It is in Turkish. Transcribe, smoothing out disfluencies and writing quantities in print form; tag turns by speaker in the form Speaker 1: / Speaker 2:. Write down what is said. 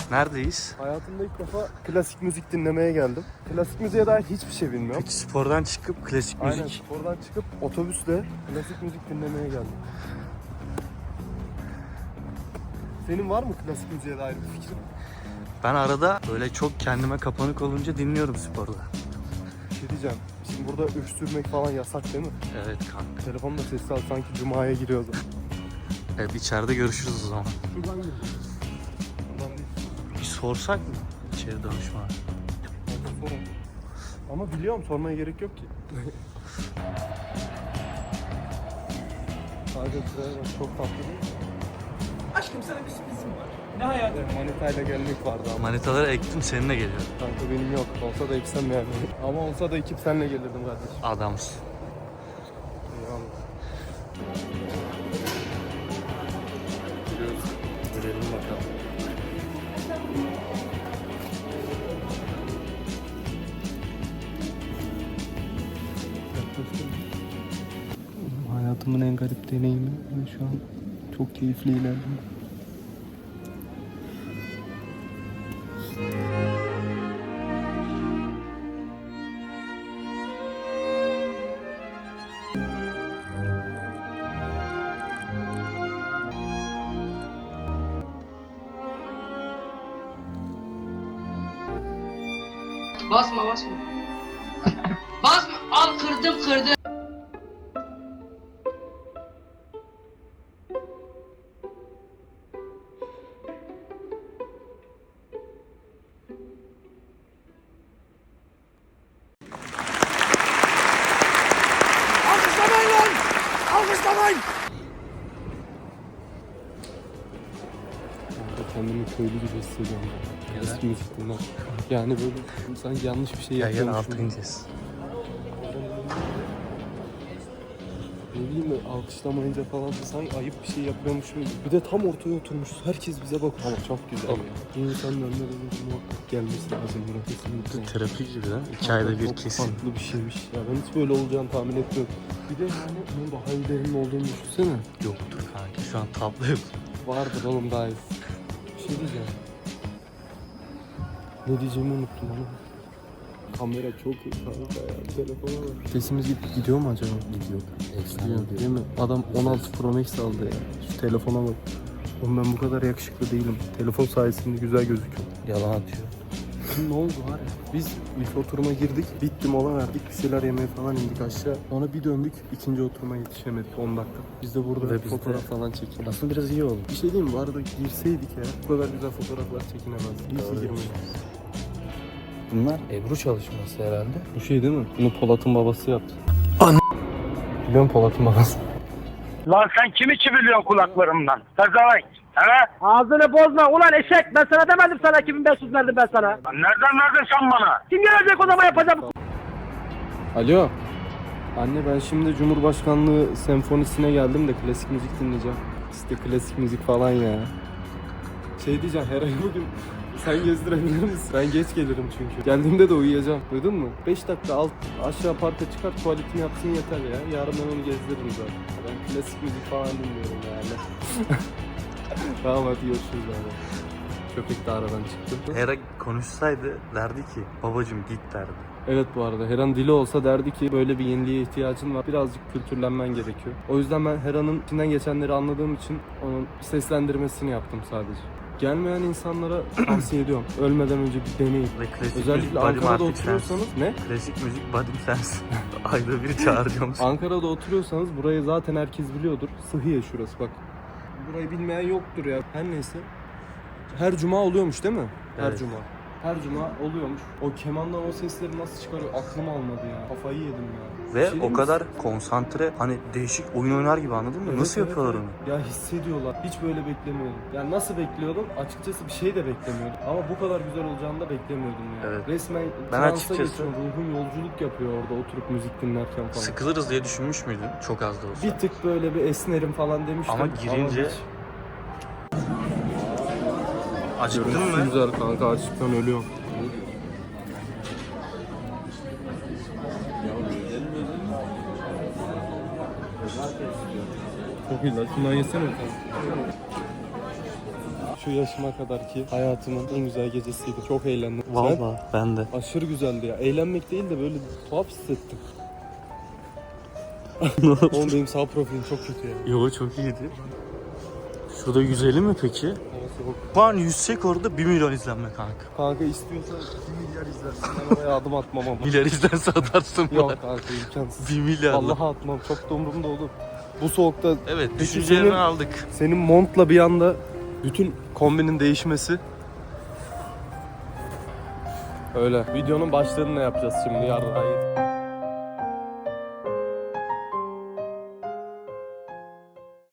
Speaker 1: Neredeyiz?
Speaker 2: Hayatımda ilk defa klasik müzik dinlemeye geldim. Klasik müziğe dair hiçbir şey bilmiyorum.
Speaker 1: Peki spordan çıkıp klasik müzik.
Speaker 2: Aynen, spordan çıkıp otobüsle klasik müzik dinlemeye geldim. Senin var mı klasik müziğe dair bir fikrin?
Speaker 1: Ben arada böyle çok kendime kapanık olunca dinliyorum sporda.
Speaker 2: Bir şey diyeceğim. Şimdi burada öksürmek falan yasak değil mi?
Speaker 1: Evet kanka.
Speaker 2: Telefonla sesli al, sanki cumaya giriyoruz.
Speaker 1: Evet, içeride görüşürüz o zaman.
Speaker 2: Şuradan gir. Buradan değil.
Speaker 1: Bir sorsak mı içeri danışma?
Speaker 2: Bence sorun. Ama biliyorum, sormaya gerek yok ki. Kanka şuraya bak, çok tatlı değil mi?
Speaker 3: Aşkım sana bir sürprizim var. Ne hayatım?
Speaker 2: Manitayla gelmek vardı ama.
Speaker 1: Manitaları ektim, seninle geliyorum.
Speaker 2: Kanka benim yok. Olsa da eksem yani. Ama olsa da ekip senle gelirdim kardeşim.
Speaker 1: Adamsın.
Speaker 2: Eyvallah.
Speaker 1: Görelim bakalım.
Speaker 2: Hayatımın en garip deneyimi ve şu an çok keyifli ilerliyorum.
Speaker 4: Basma basma. Basma. Al kırdım.
Speaker 3: Alkışlamayın lan! Alkışlamayın!
Speaker 2: Kendimi köylü gibi hissediyorum. Eski müzik dinler. Yani böyle sanki yanlış bir şey
Speaker 1: Gel gel
Speaker 2: yapıyormuşum.
Speaker 1: altı ineceğiz.
Speaker 2: Ne bileyim, alkışlamayınca falan sanki ayıp bir şey yapıyormuşum gibi. Bir de tam ortaya oturmuşuz. Herkes bize bakıyor. Ama çok güzel ya. Bu insanın önüne böyle muhakkak gelmesi lazım buraya. Kesinlikle.
Speaker 1: Terapi gibi değil mi? 2 ayda bir
Speaker 2: Çok
Speaker 1: kesin.
Speaker 2: farklı bir şeymiş. Ya ben hiç böyle olacağını tahmin etmiyordum. Bir de yani bunun daha iyilerinin olduğunu düşünsene.
Speaker 1: Yoktur kanka, şu an tablo yok.
Speaker 2: Vardır oğlum daha iyi. Bir şey diyeceğim. Ne diyeceğimi unuttum ama. Kamera çok iyi kanka ya. Telefona bak. Sesimiz gidiyor mu acaba? Gidiyor. Gidiyor değil mi? Adam 16 Pro Max aldı ya. Şu telefona bak. Oğlum ben bu kadar yakışıklı değilim. Telefon sayesinde güzel gözüküyor.
Speaker 1: Yalan atıyor.
Speaker 2: Ne oldu var ya? Biz ilk oturuma girdik. Bitti, mola verdik. Bir şeyler yemeye falan indik aşağı. Sonra bir döndük. İkinci oturuma yetişemedik 10 dakika. Biz de burada
Speaker 1: Ve biz
Speaker 2: fotoğraf
Speaker 1: de-
Speaker 2: falan çekildik.
Speaker 1: Aslında biraz iyi oldu.
Speaker 2: Bir şey diyeyim mi? Bu arada girseydik ya. Bu kadar güzel fotoğraflar çekinemezdik. İyi ki girmedik.
Speaker 1: Bunlar Ebru çalışması herhalde.
Speaker 2: Bu şey değil mi? Bunu Polat'ın babası yaptı. Biliyor musun Polat'ın babası?
Speaker 5: Lan sen kimi çiviliyorsun kulaklarımdan? Pezevenk. He?
Speaker 6: Ağzını bozma ulan eşek, ben sana demedim, sana 2500 verdim ben sana.
Speaker 5: Lan nereden verdin sen bana?
Speaker 6: Kim gelecek o zaman, yapacağım.
Speaker 2: Alo. Anne ben şimdi Cumhurbaşkanlığı senfonisine geldim de klasik müzik dinleyeceğim. İşte klasik müzik falan ya. Şey diyeceğim, her ay bugün sen gezdirebilir misin? Ben geç gelirim çünkü. Geldiğimde de uyuyacağım. Duydun mu? 5 dakika aşağı parka çıkar, tuvaletini yapsın yeter ya. Yarın ben onu gezdiririm zaten. Ben klasik müzik falan dinliyorum yani. Tamam hadi görüşürüz abi. Köpek de aradan çıktı.
Speaker 1: Hera konuşsaydı derdi ki babacım git derdi.
Speaker 2: Evet, bu arada Heran dili olsa derdi ki böyle bir yeniliğe ihtiyacın var. Birazcık kültürlenmen gerekiyor. O yüzden ben Heran'ın içinden geçenleri anladığım için onun seslendirmesini yaptım sadece. Gelmeyen insanlara tavsiye ediyorum. Ölmeden önce bir deneyin.
Speaker 1: Ve klasik müzik
Speaker 2: Özellikle
Speaker 1: badim
Speaker 2: Ankara'da
Speaker 1: artık
Speaker 2: oturuyorsanız
Speaker 1: sensin.
Speaker 2: ne?
Speaker 1: Klasik müzik badim sensin. Ayda bir çağıracağım seni.
Speaker 2: Ankara'da oturuyorsanız burayı zaten herkes biliyordur. Sıhhiye şurası bak. Burayı bilmeyen yoktur ya. Her neyse. Her cuma oluyormuş değil mi? Her
Speaker 1: Evet.
Speaker 2: cuma. Her cuma oluyormuş. O kemandan o sesleri nasıl çıkarıyor aklım almadı ya. Kafayı yedim ya. Bir
Speaker 1: Ve
Speaker 2: şey diyeyim
Speaker 1: o
Speaker 2: mi?
Speaker 1: kadar konsantre, hani değişik oyun oynar gibi, anladın mı?
Speaker 2: Evet,
Speaker 1: Nasıl
Speaker 2: evet,
Speaker 1: yapıyorlar
Speaker 2: evet.
Speaker 1: onu?
Speaker 2: Ya hissediyorlar. Hiç böyle beklemiyordum. Yani nasıl bekliyordum? Açıkçası bir şey de beklemiyordum. Ama bu kadar güzel olacağını da beklemiyordum yani.
Speaker 1: Evet.
Speaker 2: Resmen
Speaker 1: Ben
Speaker 2: transa
Speaker 1: açıkçası-
Speaker 2: geçiyorum. Ruhum yolculuk yapıyor orada oturup müzik dinlerken falan.
Speaker 1: Sıkılırız diye düşünmüş müydün? Çok az da olsa.
Speaker 2: Bir tık böyle bir esnerim falan demiştim.
Speaker 1: Ama girince-
Speaker 2: hiç.
Speaker 1: Acıktın
Speaker 2: Görüntüsü
Speaker 1: mı?
Speaker 2: güzel kanka, açlıktan ölüyorum. Çok iyi lan, şundan yesene. şu yaşıma kadarki hayatımın en güzel gecesiydi. Çok eğlendim. Sen?
Speaker 1: Vallahi ben de.
Speaker 2: Aşırı güzeldi ya. Eğlenmek değil de böyle tuhaf hissettim. Oğlum benim sağ profilim çok kötü ya.
Speaker 1: Yo çok iyiydi. Şurada 150 mi peki?
Speaker 2: Havası yok.
Speaker 1: Şu an yüzsek orada 1 milyon izlenme kanka.
Speaker 2: Kanka istiyorsan 2 milyar izlersin. Ben oraya adım atmam ama.
Speaker 1: Milyar izlense atarsın
Speaker 2: Yok
Speaker 1: bana.
Speaker 2: kanka imkansız.
Speaker 1: 1 milyar.
Speaker 2: Allah'a atmam. Çok da umurumda olur. Bu soğukta
Speaker 1: Evet
Speaker 2: Peki
Speaker 1: düşüncelerini
Speaker 2: senin-
Speaker 1: aldık.
Speaker 2: senin montla bir anda bütün kombinin değişmesi. Öyle. Videonun başlığını ne yapacağız şimdi yarın?